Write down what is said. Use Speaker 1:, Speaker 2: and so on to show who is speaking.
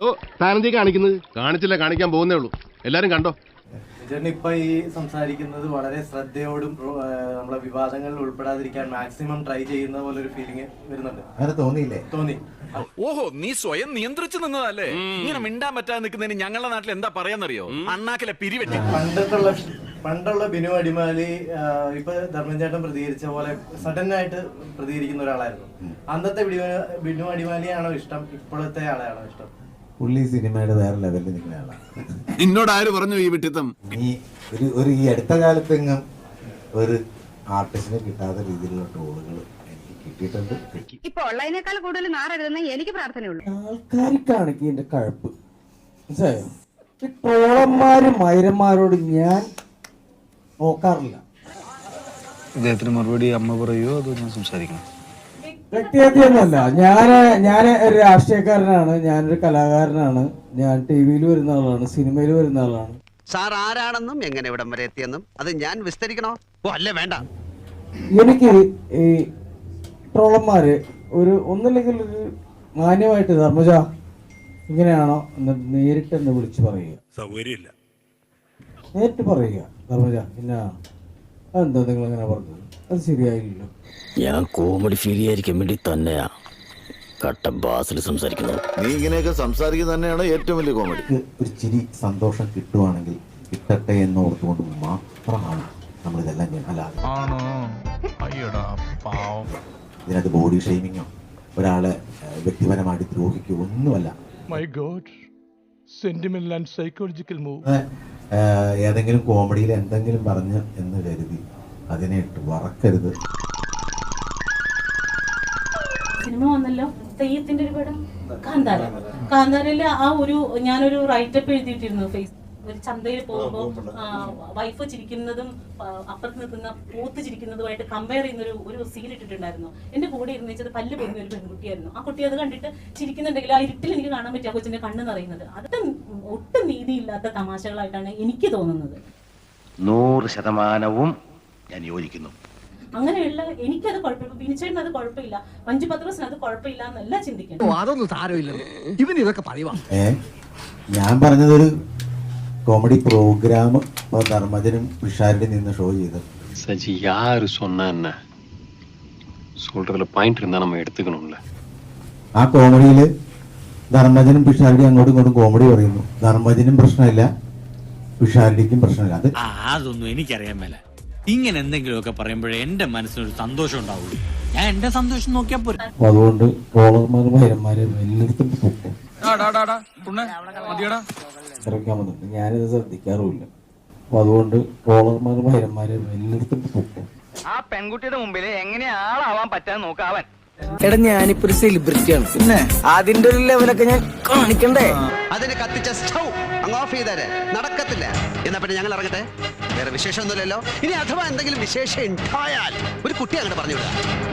Speaker 1: ഓ താനെന്തീ കാണിക്കുന്നത്? കാണിച്ചില്ല, കാണിക്കാൻ പോകുന്നേ ഉള്ളൂ. എല്ലാരും കണ്ടോ?
Speaker 2: ചേട്ടൻ ഇപ്പൊ ഈ സംസാരിക്കുന്നത് വളരെ ശ്രദ്ധയോടും നമ്മളെ വിവാദങ്ങളിൽ ഉൾപ്പെടാതിരിക്കാൻ മാക്സിമം ട്രൈ ചെയ്യുന്ന പോലെ ഒരു ഫീലിംഗ് വരുന്നുണ്ട്.
Speaker 3: അങ്ങനെ തോന്നിയില്ലേ?
Speaker 2: തോന്നി.
Speaker 4: ഓഹോ, നീ സ്വയം നിയന്ത്രിച്ചു നിന്നതല്ലേ? ഇങ്ങനെ മിണ്ടാൻ പറ്റാതെ നിൽക്കുന്നതിന് ഞങ്ങളുടെ നാട്ടിൽ എന്താ പറയാന്നറിയോ? അണ്ണാക്കിലെ പിരിവെട്ടി.
Speaker 2: പണ്ടുള്ള ബിനു അടിമാലി ഇപ്പൊ ധർമ്മചേട്ടൻ പ്രതികരിച്ച പോലെ സഡൻ ആയിട്ട് പ്രതികരിക്കുന്ന ഒരാളായിരുന്നു. അന്നത്തെ ബിനു അടിമാലിയാണോ ഇഷ്ടം, ഇപ്പോഴത്തെ ആളെയാണോ ഇഷ്ടം?
Speaker 3: പുള്ളി സിനിമയുടെ വേറെ ലെവലിൽ നിൽക്കുന്ന ആളാണ്.
Speaker 1: എന്നോട് ആര് പറഞ്ഞു ഈ വിട്ടിത്തം?
Speaker 3: ഈ അടുത്ത കാലത്തെങ്ങും ഒരു ആർട്ടിസ്റ്റിനെ കിട്ടാത്ത രീതിയിലുള്ള ട്രോളുകൾ എനിക്ക് കിട്ടിയിട്ടുണ്ട്.
Speaker 5: ഇപ്പൊ ഉള്ളതിനേക്കാൾ കൂടുതൽ നാറരുതെന്ന് എനിക്ക് പ്രാർത്ഥനയുള്ളൂ.
Speaker 6: ആൾക്കാർക്കാണ് ഇതിന്റെ കഴപ്പ്. മനസ്സിലായോ? ഈ ട്രോളന്മാരും മൈരന്മാരോട് ഞാൻ നോക്കാറില്ല.
Speaker 7: ഇദ്ദേഹത്തിന് മറുപടി അമ്മ പറയുമോ അതോ ഞാൻ സംസാരിക്കണം?
Speaker 6: വ്യക്തിഹത്യൊന്നുമല്ല. ഞാൻ ഒരു രാഷ്ട്രീയക്കാരനാണ്, ഞാനൊരു കലാകാരനാണ്, ഞാൻ TV-യിൽ വരുന്ന ആളാണ്, സിനിമയിൽ വരുന്ന ആളാണ്.
Speaker 8: സാർ ആരാണെന്നും എങ്ങനെ ഇവിടം വരെ എത്തിയെന്നും അത് ഞാൻ വിസ്തരിക്കണോ? ഓ അല്ലേ, വേണ്ട.
Speaker 6: എനിക്ക് ഈ ട്രോളന്മാര് ഒന്നില്ലെങ്കിൽ ഒരു മാന്യമായിട്ട് ധർമ്മജ ഇങ്ങനെയാണോ എന്ന് നേരിട്ടെന്ന് വിളിച്ച് പറയുക.
Speaker 9: സൗകര്യമില്ല.
Speaker 6: നേരിട്ട് പറയുക, ധർമ്മജ ഇന്നാണ്, അതെന്താ നിങ്ങൾ അങ്ങനെ പറഞ്ഞത്, അത് ശരിയായില്ലല്ലോ.
Speaker 10: ഞാൻ കോമഡി ഫീൽ ചെയ്യാതിരിക്കാൻ വേണ്ടി തന്നെയാ കട്ട ബാസിൽ സംസാരിക്കുന്നത്.
Speaker 7: നീ ഇങ്ങനെയൊക്കെ സംസാരിക്കുന്നത് തന്നെയാണ് ഏറ്റവും വലിയ കോമഡി.
Speaker 3: ഒരു ചിരി സന്തോഷം കിട്ടുവാണെങ്കിൽ കിട്ടട്ടെ എന്ന് ഓർത്തുകൊണ്ട് മാത്രമാണ് നമ്മളിതെല്ലാം ചെയ്യാൻ. അല്ലാതെ ഇതിനകത്ത് ബോഡി ഷെയ്മിങ്ങോ ഒരാളെ വ്യക്തിപരമായിട്ട് ദ്രോഹിക്കുകയോ ഒന്നുമല്ല. ഏതെങ്കിലും കോമഡിയിൽ എന്തെങ്കിലും പറഞ്ഞ് എന്ന് കരുതി അതിനെ ഇട്ട് വറക്കരുത്.
Speaker 11: സിനിമ വന്നല്ലോ, തെയ്യത്തിന്റെ ഒരു പടം കാന്താരയില് ഞാനൊരു റൈറ്റപ്പ് എഴുതിയിട്ടിരുന്നു. ഒരു ചന്തയിൽ പോകുമ്പോൾ വൈഫ് ചിരിക്കുന്നതും അപ്പുറത്ത് നിൽക്കുന്ന പോത്ത് ചിരിക്കുന്നതുമായിട്ട് കമ്പയർ ചെയ്യുന്ന ഒരു സീൻ ഇട്ടിട്ടുണ്ടായിരുന്നു. എന്റെ കൂടെ ഇരുന്ന് വെച്ചത് പല്ല് പൊങ്ങുന്ന ഒരു പെൺകുട്ടിയായിരുന്നു. ആ കുട്ടി അത് കണ്ടിട്ട് ചിരിക്കുന്നുണ്ടെങ്കിൽ ആ ഇരുട്ടിൽ എനിക്ക് കാണാൻ പറ്റും ആ കൊച്ചിന്റെ കണ്ണ് നിറയുന്നത്. അത് ഒട്ടും നീതിയില്ലാത്ത തമാശകളായിട്ടാണ് എനിക്ക് തോന്നുന്നത്.
Speaker 10: 100% ഞാൻ യോജിക്കുന്നു.
Speaker 11: അങ്ങനെയുള്ള എനിക്കത് കുഴപ്പമില്ല, ബിനിച്ചേട്ടന് അത് കുഴപ്പമില്ല, മഞ്ജു പത്രോസിന് അത് കുഴപ്പമില്ല എന്നല്ല ചിന്തിക്കണം.
Speaker 8: അതൊന്നും സാരമില്ല, ഇവൻ ഇതൊക്കെ പറയുവാ.
Speaker 3: ഞാൻ പറഞ്ഞതൊരു കോമഡി പ്രോഗ്രാം ധർമ്മജനും പിഷാരുടെ നിന്ന് ഷോ ചെയ്തത്.
Speaker 7: സജി யாரு சொன்னா என்ன சொல்றதுல பாயிண்ட் இருந்தா நம்ம எடுத்துக்கணும்ல.
Speaker 3: ആ കോമഡിയില് ധർമ്മജനും പിഷാരടിയും അങ്ങോട്ടും ഇങ്ങോട്ടും കോമഡി പറയുന്നു. ധർമ്മജനും പ്രശ്നമില്ല, പിഷാരടിക്കും പ്രശ്നമില്ല.
Speaker 10: അതൊന്നും എനിക്കറിയാൻ മേല. ഇങ്ങനെ എന്തെങ്കിലുമൊക്കെ പറയുമ്പോഴേ എന്റെ മനസ്സിനൊരു സന്തോഷം ഉണ്ടാവുള്ളൂ. ഞാൻ എന്റെ സന്തോഷം നോക്കിയാ പോരെ.
Speaker 6: അതുകൊണ്ട് ട്രോളർമാരും മൈരന്മാരും എല്ലായിടത്തും പൊക്കും ഇറക്കാൻ വന്നിട്ട് ഞാനിത് ശ്രദ്ധിക്കാറുമില്ല. അപ്പൊ അതുകൊണ്ട് ട്രോളർമാരും മൈരന്മാരും എല്ലായിടത്തും പൊക്കും.
Speaker 8: ആ പെൺകുട്ടിയുടെ മുമ്പിൽ എങ്ങനെ ആളാവാൻ പറ്റാൻ നോക്കാവൻ.
Speaker 10: എടാ ഞാനിപ്പോ ഒരു സെലിബ്രിറ്റിയാണ്, പിന്നെ അതിന്റെ ഒരു ലെവലൊക്കെ ഞാൻ കാണിക്കണ്ടേ?
Speaker 8: അതിന് കത്തിച്ച സ്റ്റൗ അങ്ങ് ഓഫ് ചെയ്തേരെ, നടക്കത്തില്ല. എന്നാ പിന്നെ ഞങ്ങൾ ഇറങ്ങട്ടെ, വേറെ വിശേഷമൊന്നുമില്ലല്ലോ. ഇനി അഥവാ എന്തെങ്കിലും വിശേഷം ഉണ്ടായാൽ ഒരു കുട്ടി അങ്ങോട്ട് പറഞ്ഞു വിടുക.